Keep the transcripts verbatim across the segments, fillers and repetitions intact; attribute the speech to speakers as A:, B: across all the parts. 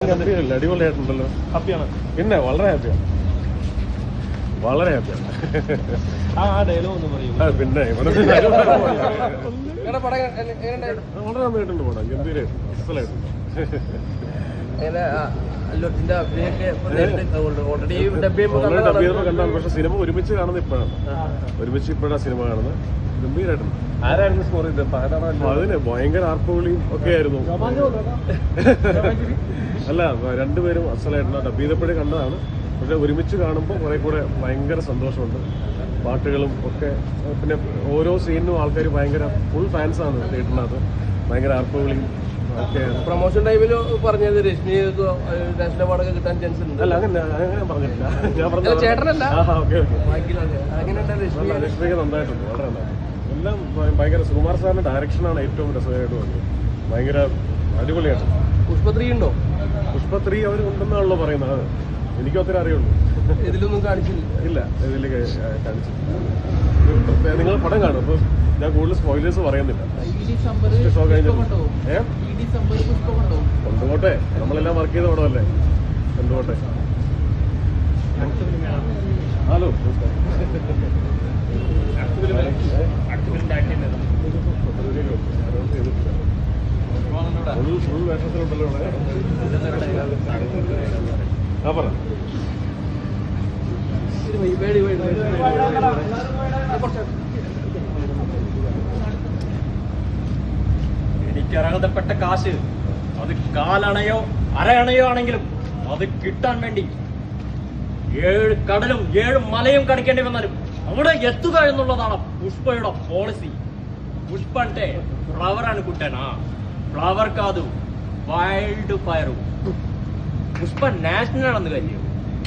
A: ഗംഭീരല്ല, അടിപൊളിയായിട്ടുണ്ടല്ലോ. ഹാപ്പിയാണ്? പിന്നെ വളരെ ഹാപ്പിയാണ്, വളരെ ഹാപ്പിയാണ്.
B: ആ ഡയലോഗ് ഒന്ന് പറയൂ.
A: പിന്നെ വളരെ നന്നായിട്ടുണ്ട് പടം, ഗംഭീരമായിട്ടുണ്ട്, അസലായിട്ടുണ്ട്. കണ്ടാണ്, പക്ഷെ സിനിമ ഒരുമിച്ച് കാണുന്നത് ഇപ്പോഴാണ്, ഒരുമിച്ച് ഇപ്പോഴാണ് സിനിമ കാണുന്നത്. ഗംഭീരമായിട്ടുണ്ട്.
B: ആരായിരുന്നു സ്കോർ ചെയ്തത്?
A: അതിന് ഭയങ്കര ആർപ്പുവിളിയും ഒക്കെ ആയിരുന്നു. അല്ല, രണ്ടുപേരും അസലായിട്ടുണ്ട്. ഡബ് ചെയ്തപ്പോഴേ കണ്ടതാണ്, പക്ഷെ ഒരുമിച്ച് കാണുമ്പോൾ കുറെ കൂടെ ഭയങ്കര സന്തോഷമുണ്ട്. പാട്ടുകളും ഒക്കെ, പിന്നെ ഓരോ സീനിനും ആൾക്കാർ ഭയങ്കര ഫുൾ ഫാൻസാണ് തിയേറ്ററിനകത്ത്. ഭയങ്കര ആർപ്പുവിളിയും ഒക്കെ.
B: പ്രൊമോഷൻ ടൈമിൽ പറഞ്ഞത് രശ്മി നാഷണൽ അവാർഡൊക്കെ കിട്ടാൻ ചാൻസ് ഉണ്ട്.
A: അല്ല, അങ്ങനെ അങ്ങനെ പറഞ്ഞിട്ടില്ല. ഞാൻ പറഞ്ഞ
B: ചേട്ടനല്ല.
A: രശ്മിക്ക് നന്നായിട്ടുണ്ട്, വളരെ നന്നായിട്ട്. എല്ലാം ഭയങ്കര. സുകുമാർ സാറിന്റെ ഡയറക്ഷനാണ് ഏറ്റവും രസകരമായിട്ട് വന്നത്. ഭയങ്കര അടിപൊളിയാണ്.
B: പുഷ്പത്രീ ഉണ്ടോ?
A: പുഷ്പത്രീ അവർ ഉണ്ടെന്നാണല്ലോ പറയുന്നത്. എനിക്കും ഒത്തിരി അറിയുള്ളൂ.
B: ഇതിലൊന്നും കാണിച്ചില്ല.
A: ഇല്ല, ഇതിൽ കാണിച്ചില്ല. നിങ്ങൾ പടം കാണും, അപ്പോൾ ഞാൻ കൂടുതൽ സ്പോയിലേഴ്സ് പറയുന്നില്ല. ഷോ കഴിഞ്ഞിട്ട് കൊണ്ടുപോട്ടെ, നമ്മളെല്ലാം വർക്ക് ചെയ്ത പടമല്ലേ, കൊണ്ടുപോട്ടെ. ഹലോ, ഫുൾ വേഷത്തിലുണ്ടല്ലോ ഇവിടെ. ആ പറ.
C: എനിക്കർഹതപ്പെട്ട കാശ്, അത് കാലണയോ അരയണയോ ആണെങ്കിലും അത് കിട്ടാൻ വേണ്ടി ഏഴ് കടലും ഏഴ് മലയും കടക്കേണ്ടി വന്നാലും അവിടെ എത്തുക എന്നുള്ളതാണ് പുഷ്പയുടെ പോളിസി. പുഷ്പ అంటే ఫ్లవర్ అనుకుంటానా? ఫ్లవర్ కాదు, వైల్డ్ ఫైర్. పుష్ప నేషనల్ అన్న కాര്യം,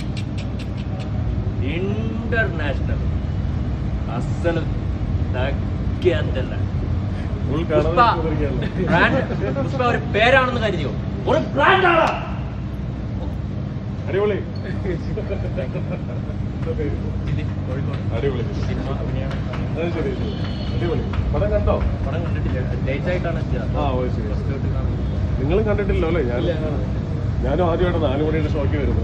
C: ഇന്റർനാഷണൽ. അസలు തగ్గല്ല. പുഷ്പ ബ്രാൻഡ്, പുഷ്പ ഒരു പേരാണെന്ന് കരുതിയോ? ഒരു ബ്രാൻഡാണ്.
A: അടിപൊളി, അടിപൊളി. അടിപൊളി. പടം കണ്ടോ?
C: പടം കണ്ടിട്ടില്ല, ലേറ്റ് ആയിട്ടാണ്.
A: ആ, ഓ ശരി. നിങ്ങളും കണ്ടിട്ടില്ലോ അല്ലേ? ഞാൻ ഞാനും ആദ്യമായിട്ട് നാലു മണിയുടെ ഷോയ്ക്ക് വരുന്നത്.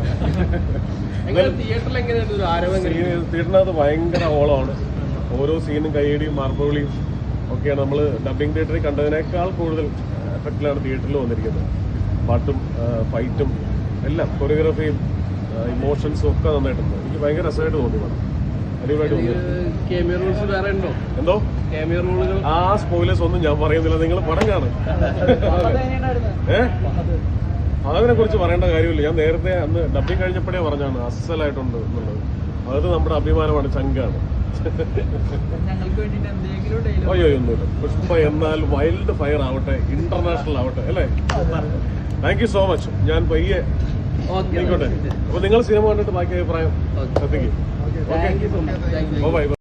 A: തിയേറ്ററിനകത്ത് ഭയങ്കര ഹോളമാണ്. ഓരോ സീനും കൈയടിയും മാർബിളിയും ഒക്കെയാണ്. നമ്മൾ ഡബിങ് തിയേറ്ററിൽ കണ്ടതിനേക്കാൾ കൂടുതൽ എഫക്റ്റിലാണ് തിയേറ്ററിൽ വന്നിരിക്കുന്നത്. പാട്ടും ഫൈറ്റും എല്ലാം, കൊറിയോഗ്രാഫിയും ഇമോഷൻസും ഒക്കെ നന്നായിട്ടുണ്ട്. എനിക്ക് ഭയങ്കര രസമായിട്ട് തോന്നി പടം, അടിപൊളിയായിട്ട് തോന്നി. എന്തോ ആ സ്പോയിലേഴ്സ് ഒന്നും ഞാൻ പറയുന്നില്ല, നിങ്ങൾ പടം കാണും. ഏഹ് അതിനെ കുറിച്ച് പറയേണ്ട കാര്യമില്ല. ഞാൻ നേരത്തെ അന്ന് ഡബിങ് കഴിഞ്ഞപ്പോഴേ പറഞ്ഞാണ് അസലായിട്ടുണ്ട് എന്നുള്ളത്. അത് നമ്മുടെ അഭിമാനമാണ്, ചങ്കാണ്. അയ്യോ ഒന്നുമില്ല. പുഷ്പ എന്നാൽ വൈൽഡ് ഫയർ ആവട്ടെ, ഇന്റർനാഷണൽ ആവട്ടെ, അല്ലേ? Thank you so much. ഞാൻ പയ്യെ ആയിക്കോട്ടെ. അപ്പൊ നിങ്ങൾ സിനിമ കണ്ടിട്ട് ബാക്കി അഭിപ്രായം എത്തിക്കും. Okay, by.